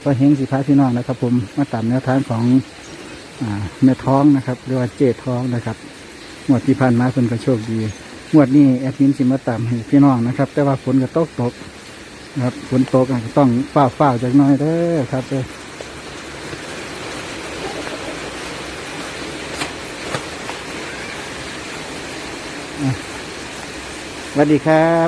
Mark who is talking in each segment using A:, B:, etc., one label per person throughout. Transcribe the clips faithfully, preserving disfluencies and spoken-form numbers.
A: ก็เฮงสิพาพี่น้องนะครับผมมาตามแนวทางของอ่าแม่ท้องนะครับหรือว่าเจท้องนะครับงวดที่ผ่านมาเพิ่นก็โชคดีงวดนี้แอดมินสิมาตามให้พี่น้องนะครับแต่ว่าฝนก็ตกตกนะครับฝนตกก็ต้องฝ้าฝ้าจากน้อยเด้อครับเด้อสวัสดีครับ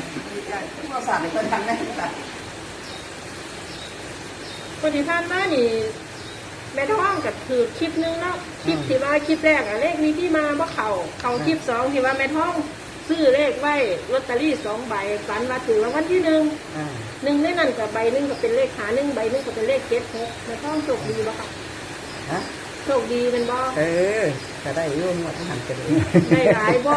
B: วันที่ผ่านมานี่แม่ท้องกับคือคลิปนึงเนาะคลิปที่ว่าคลิปแรกอะเลขมีที่มาว่าเขาเขาคลิปสองที่ว่าแม่ท้องซื้อเลขไว้ลอตเตอรี่สองใบฝันว่าถือรางวัลที่หนึ่งหนึ่งในนั้นกับใบหนึ่งก็เป็นเลขหาหนึ่งใบหนึ่งก็เป็นเลขเจ็ดหกแม่ท้องโชคดีบ่ค่ะโชคดีเป็นบ่
C: เออจะได้ยุ่งหมดทั้งหันกันเลย
B: ได้หลายบ่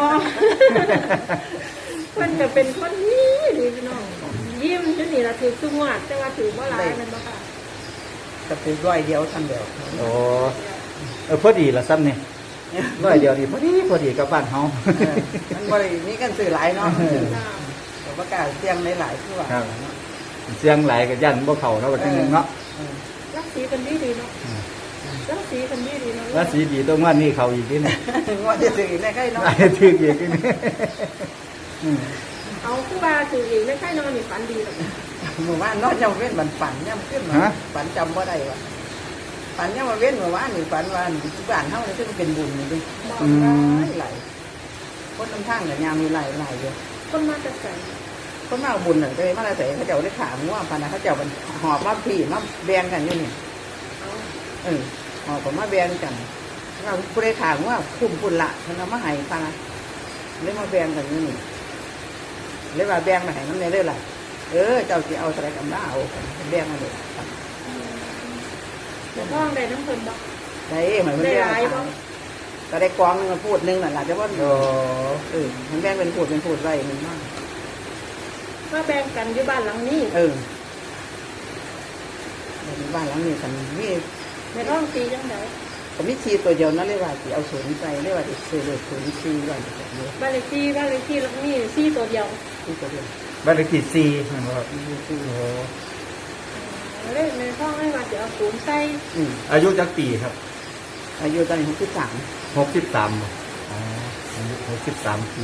B: เพิ่นจะเป็นคนนี้ดีพี่น้องยิ้มจนนี่ละถือซุ้งวัดแต่ว่าถือว่าหลายมันบ่ค่ะ
C: จะเป็นร้อยเดียวทั้งเดียว
A: โอ้เออพอดีละซ้ำเนี่ยร้อยเดียวนี่พอดีพอดีกับบ้านเฮา
C: มันบริมีกันสื่อหลายเนาะแต่ว่ากาเสียงหลายๆคือว่า
A: เสียงหลายกับยันบ่เข้าเนาะว่าจังนึงเนาะ
B: รักสีกันดีดีเนาะรักสีกันดีดีเนาะ
A: รักสีดีต้องว่านี่เข้าอีกทีนึง
C: ว่าจะถือในใกล้เนาะ
A: ถืออีกทีนึง
B: เอาคือว่าถืออีกในใกล้นอนนี่ฝันดีแบบ
C: หมู่บ้านนอนยังเว้นมันฝันยังขึ้นมาฝันจำว่าได้วะฝันยังมาเว้นหมู่บ้านนี่ฝันว่าบ้านเฮาเนี่ยซึ่งเป็นบุญนี่ดิหลายคนทั้งทางเนี่ยยามมีหลายหลายอยู่
B: คนมาจะใส่
C: คนมาบุญน่ะเลยมาใส่เขาเจ้าได้ขามั่วพันนะเขาเจ้ามันหอบมาพี่มาแบ่งกันอยู่นี่เออหอบมาแบ่งกันเราผู้ได้ขามั่วคุ้มปุ่นละเขาเอามาให้พันนะเลยมาแบ่งกันอยู่นี่เลยว่าแบ่งมาให้น้ำในเรื่องอะไรเออเจ้าจะเอาอะไรกันบ้าเอาแบ่งมาเลย
B: เดี๋ยวท้องได้น้ำเพิ่มบ่
C: ได้เหมือนมันแบ่งก็ได้กองนึงมาพูดนึงน่ะหล่ะแต่ว่าเออมันแบ่งเป็นพูดเป็นพูดไว้มันมาก
B: ก็แบ่งกันอยู่บ้านหลังนี้
C: เออบ้านหลังนี้กันมี
B: ในท้องตีจังได
C: ผมมีชีตัวเดียวนั่นเรียกว่าที่เอาศูนย์ใจเรียกว่าที่ซื้อเลยศูนย์ชีว่าแบบนี้
B: บ้านเลขที่บ้านเลขที่หลังนี้ชีตัวเดียว
C: ชีตัวเดียว
A: บ้านเลขที่สี่มันว่า
C: โอ้
B: เลขในท้องให้ว่าจะเอาศูนย์ใส่
A: อายุจักปีครับ
C: อายุตอนนี้หกสิบสาม
A: หกสิบสามอ๋ออายุหกสิบสามปี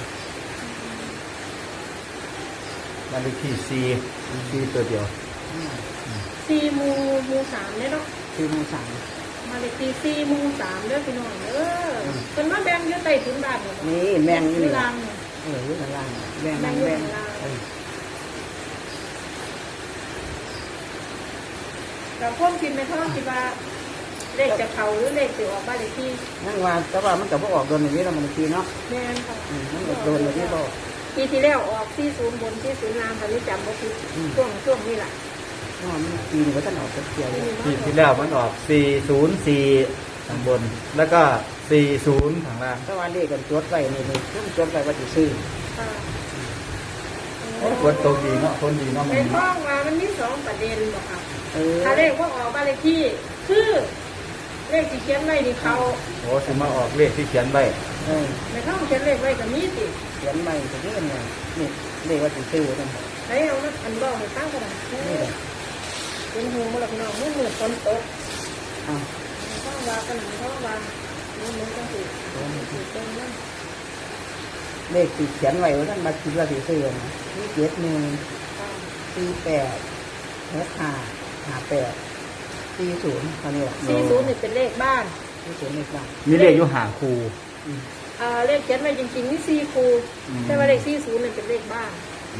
A: บ้านเลขที่สี่สี่ตัวเดียว
B: สี่มูมูสามเนี่ยเนาะ
C: สี่มูสาม
B: มาเลขที่สี่มูสามเด้อพี่น้องเออเป็นว่าแบ่งเยอะไต่ถุนบาท
C: นี่แบ่ง
B: อยู่ล่าง
C: เอออยู่ล่างแบ่งแบ่งแบ่ง
B: เราพ่นกินในท้องคิดว่าเลขจะเข่าหรือเลขจะออกบ้านเลขที่
C: นั่งว่าแต่ว่ามันกับพวกออกโดนอย่างนี้เรามันทีเนาะ
B: แม่นค่ะ
C: มันโดนอย่างนี้บอก
B: ปีที่แล้วออกที่ศูนย์บนที่ศูนย์ล่างตอนนี้จำว่าคือช่วงช่วงนี้แหละ
C: อ๋อมันปีนี้ก็ท่านออกเกี่ยว
A: ปีที่แล้วมันออกสี่ศูนย์สี่ข้างบนแล้วก็สี่ศูนย์ข้างล่าง
C: ถ้าวันนี้กันจดไว้นี่นี่ช่วงจดไว้ว่าจะซื้อ
A: คนโตดีเนาะคนดีเนาะ
B: ในท้องมามันมีสองประเด็นบอกค่ะถ้าเลขว่าออกบ้านเลขที่คือเลขที่เขียนไว้นี่เขา
A: โอ้จะมาออกเลขที่เขียนไว้
B: ในท้องเขียนเลขไว้กับมีติ
C: เขียนไว้จะเยอะไงนี่เลขว่าจะซื้อนั่น
B: ไอ้เอาอันบอกให้ตั้งกันนี่เป็นหูมาแล้วพี่น้องมือมือฝนตก
C: อ้าว
B: ท้องวากันท้องวามือมือจังสิสิเต็มนั่น
C: เลขที่เขียนไว้ว่าท่านมาคิดว่าจะซื้อนะนี่เจ็ดหนึ่งสี่แปดหกห้าห้าแปดสี่ศูนย์ตอนนี้แหละ
B: สี่ศูนย์นี่เป็นเลขบ้าน
C: สี่ศูนย์เลขบ้าน
A: มีเลขอยู่หาครู
B: อ่าเลขเขียนไว้จริงๆนี่สี่ครูแต่ว่าเลขสี่ศูนย์นี่เป็นเลขบ้าน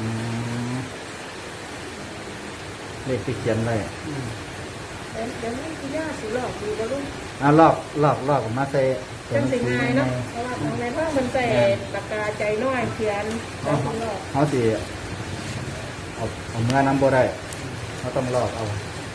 A: เลขที่เขียนไว้
B: เดี๋ยวเดี๋ยวนี่คือย่าสีหลอกดีกว่าลุง
A: อ่าลอกลอกลอกมาใส่
B: จังสิง่ายเนาะเพราะว่าในท้องมันใส่ปากกาใจน้อยเขียนแล้วก็ลอก
A: เขาสิเอาเอาเมื่อน้ำบ่ได้เขาต้องลอกเอา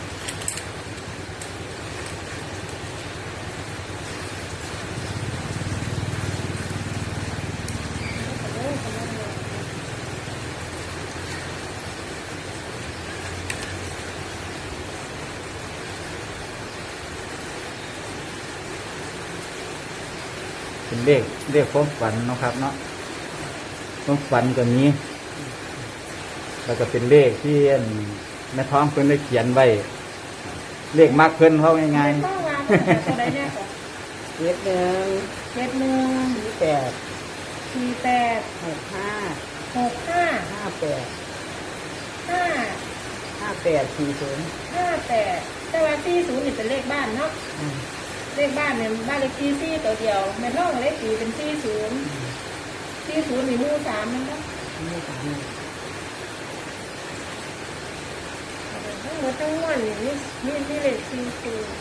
A: เป็นเลขเลขความฝันนะครับเนาะความฝันตัวนี้แล้วก็เป็นเลขที่แม่ท้องเพิ่นได้เขียนไว้ อเลขมักเพิ่นเขาง่าย
B: แม่ท้องว่าเพิ่นจะตัวใดแน่ก่อน
C: เจ็ดหนึ่ง
B: เจ็ดหนึ่ง
C: สี่แปด
B: สี่แปด
C: หกห้า
B: หกห้า
C: ห้าแปด
B: ห้า
C: ห้าแปดสี่ศูนย์
B: ห้าแปดแต่ว่าสี่ศูนย์นี่เป็นเลขบ้านเนาะเลขบ้านเนี่ยบ้านเลขที่สี่ตัวเดียวแม่ท้องเลขสี่เป็นสี่ศูนย์สี่ศูนย์นี่หมู่สามนั่นเนาะ
C: นี่สาม
B: ทั้งหมดทั้งมวลนี่มีมีมีเลขสี่ศูนย์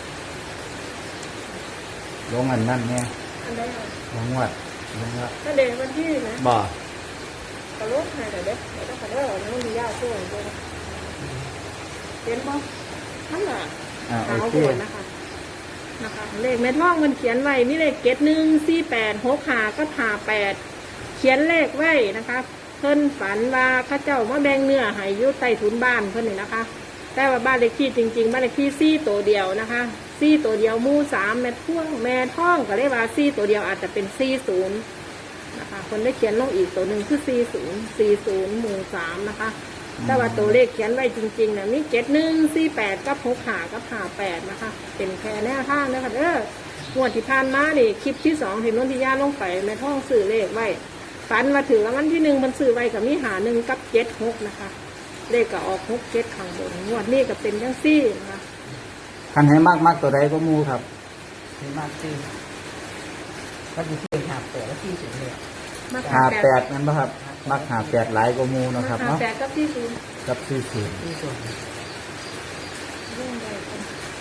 A: ๆลงอันนั้นแน่
B: อันใดอ่ะ
A: ลงวัดลงวัด
B: ถ้าเด็กวันที่นะ
A: บ่
B: กระโลกให้แต่เด็กเด็กก็เด้อน้องมีญาติช่วยด้วยเห็นบ่นั่นแหละ
A: อ่าโอ
B: ขาว
A: เค
B: โบนนะคะนะคะเลขแม่ท่องมันเขียนไว้มีเลขเจ็ดหนึ่งสี่แปดหกหาก็หาแปดเขียนเลขไว้นะคะเพิ่นฝันว่าเข้าเจ้ามาแบ่งเนื้อให้อยู่ใต้ถุนบ้านเพิ่นนี่นะคะ แต่ว่าบ้านเลขที่จริงๆบ้านเลขที่สี่ตัวเดียวนะคะสี่ตัวเดียวหมู่สามแม่ท่วงแม่ท่องก็เรียกว่าสี่ตัวเดียวอาจจะเป็นสี่ศูนย์นะคะคนได้เขียนลงอีกตัวหนึ่งคือสี่ศูนย์สี่ศูนย์หมู่สามนะคะแต่ว่าตัวเลขเขียนไว้จริงๆเนี่ยมีเจ็ดหนึ่งสี่แปดกับหกหากับหาแปดนะคะเป็นแค่แนวทางนะคะเอองวดที่ผ่านมานี่คลิปที่สองเห็นนนทิยาลงไปแม่ท่องสื่อเลขไว้ฝันมาถึงแล้ววันที่หนึ่งมันสื่อไว้กับมีหาหนึ่งกับเจ็ดหกนะคะเลขก็ออกหกเจ็ดข้างบนงวดนี้ก็เป็นจังซี่นะคะ
A: คันให้มากมากตัวใดก็มูครับ
C: สี่มากสี่ก็จะสี่หาแปดแล้วสี่ศูนย์เลย
B: มา
A: หาแปดนั่นป่ะครับ มักหาแปดหลายก็มูเนาะครับ
B: หา
A: เนาะ
B: แปดกับที่ศูนย์
A: กับสี่ศูนย์
C: สี่ศูนย์
B: เรื่องใดกัน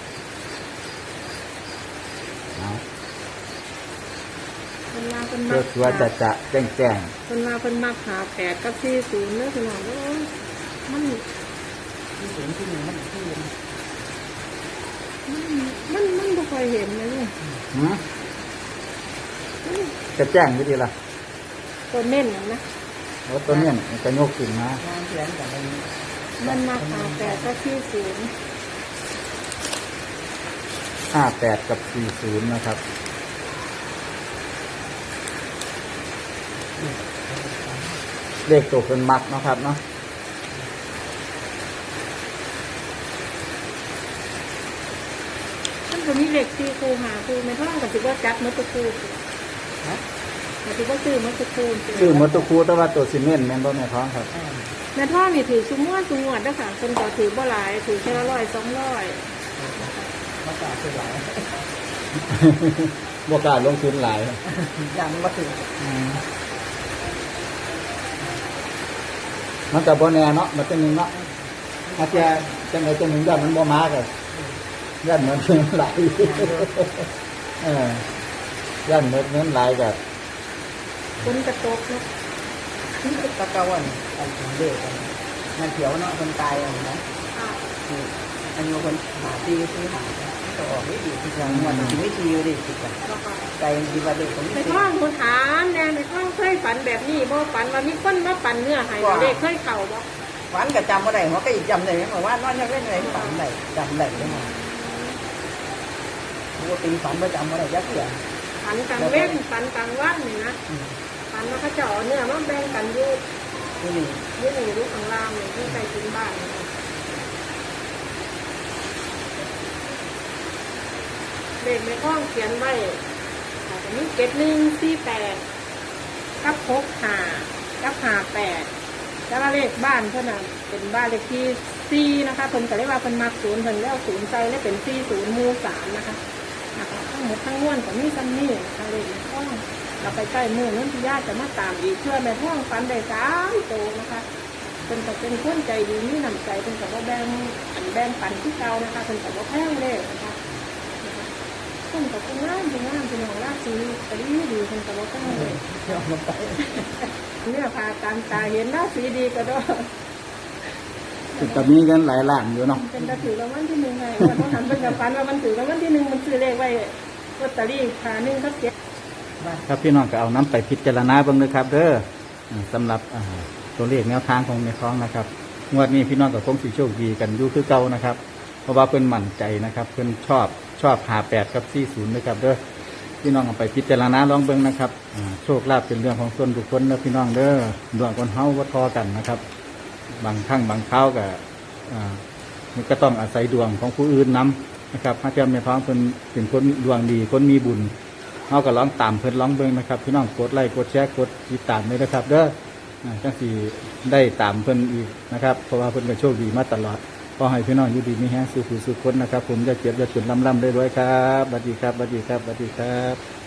A: เอา
B: คนมาคน
A: เพื่
B: มา
A: อตัวจะจะแจ้งแจ้ง
B: คนมาคนมาหาแปดกับที่ศูนย์เนื้อสนองว่ามัน
C: สี่ศูนย์ที่หนึ่งมันที่
B: มันมันไม่ค่อยเห็นเลยเนี่ย
A: หืมจะแจ้งวิธีละ
B: ตัวเน่นน่ะนะ
A: แล้วตัวเนี้ยมันจะโยกขึ้นมาง
C: านเขียนกับมัน
B: มันมาหาแปดกับที่ศูนย์
A: ห้าแปดกับสี่ศูนย์นะครับ เลขตัวเป็นมักเนาะครับเนาะ
B: มันจะมีเหล็กที่ครูหาครูไม่ท่องกับถือว่าจัดมัตตุคู
C: ฮะ
B: แต่ถือว่าซื้อมัตตุคู
A: ชื่อมอตุคูแต่ว่าตัวซีเมนต์แม่นบ่แม่ท้องครับ
B: แม่ท่องนี่ถือซุ้มม้วนซุ้มงวดนะคะคนก็ถือบ่หลายถือแค่ละร้อยสองร้อย
C: มาจากเชียงราย
A: บ่กล้าลงทุนหลาย
C: ยังมาถึง
A: มันกับบ่แน่เนาะมันเป็นหนึ่งเนาะอาจจะจังไดจังหนึ่งยอดมันบ่มากันยอดเหมือนเงินหลายเออยอดเหมือนเงินหลายแบบ
B: คนกระตกเนาะ
C: ตะเกาอันอันเด็กมันเขียวเนาะคนตายอันนะอันนี้คนหาตีตีหาก็ออกไม่ดีที่จังมันไม่ดีเลยติดกันใจดีว่าเด็กคน
B: ใน
C: นี้
B: ท่องคนถามแน่ในท่องเคยฝันแบบนี้บ่ฝันว่ามีคนมาปั่นเนื้อให้เด็กเคยเข่าบ่
C: ฝันก็จำว่าได้หัวก็อีกจำได้ไหมว่านอนยังเล่นอะไรฝันได้จำได้ไหมว่าตีฝันว่าจำว่าได้ยักษ์ใหญ่
B: ฝันกลางเว้นฝันกลางวันนี่นะฝันว่าเขาเจาะเนื้อมาแบ่งกันอยู่
C: ที่นี่
B: อยู่นี่อยู่ข้างล่างนี่ที่ใกล้ถึงบ้านนี่เด็กในห้องเขียนไว้อาจจะมีเกตหนึ่งสี่แปดกับหกหากับหาแปดแล้วก็เลขบ้านเพื่อนน่ะเป็นบ้านเลขที่สี่นะคะเพิ่นก็เรียกว่าเพิ่นมักศูนย์เพิ่นแล้วศูนย์ใจแล้วเป็นสี่ศูนย์หมู่สามนะคะนะคะทั้งหมดทั้งมวลก็มีซ้ำนี่นะคะเลขในห้องเราไปใกล้มือนั้นที่ญาติจะมาตามอีกเพื่อแม่ห้องฟันได้สามโตนะคะเพิ่นก็เป็นคนใจดีมีน้ำใจเพิ่นก็บ่แบ่งอันแบ่งปันที่เก่านะคะเพิ่นก็บ่แพงเลยนะคะคนกับคนงามคนงามเป็นของราศีก็ดีดีคนกับว่าต้องเลย
C: เที่ยวมาไป
B: เนี่ยพาตามตาเห็นราศีดีก็ได้
A: แต่มีเงินหลายล้านอยู่เนาะ
B: เป็นกระถือรางวัลที่หนึ่งไงวันต้องหันเป็นกับฟันว่ามันถือรางวัลที่หนึ่งมันซื้อเลขไว้ลอตเตอรี่ขาหนึ่งก็เจ็ด
A: ครับพี่น้องก็เอาน้ำไปพิจารณาเบ้างเลยครับเด้ออ่าสำหรับอ่าตัวเลขแนวทางของแม่ท้องนะครับงวดนี้พี่น้องก็คงสิโชคดีกันอยู่คือเก่านะครับ เพราะว่าเพิ่นมั่นใจนะครับ เพิ่นชอบชอบหาแปดกับสี่ศูนย์นะครับเด้อพี่น้องเอาไปพิจารณาลองเบิ่งนะครับอ่าโชคลาภเป็นเรื่องของส่วนบุคคลนะพี่น้องเด้อดวงคนเฮาบ่ทอกันนะครับ บางครั้งบางคราวก็อ่ามันก็ต้องอาศัยดวงของผู้อื่นนำนะครับพระเจ้าแม่ท้องเพิ่นเป็นคนดวงดีคนมีบุญเฮาก็ร้องตามเพิ่นร้องเบิ่งนะครับพี่น้องกดไลค์กดแชร์กดติดตามเลยนะครับเด้ออ่าจังสิได้ตามเพิ่นอีกนะครับเพราะว่าเพิ่นก็โชคดีมาตลอดขอให้พี่น้องอยู่ดีมีแฮงสุขสุขคนนะครับผมจะเจ็บจะจนลำลำได้ด้วยครับสวัสดีครับสวัสดีครับสวัสดีครับ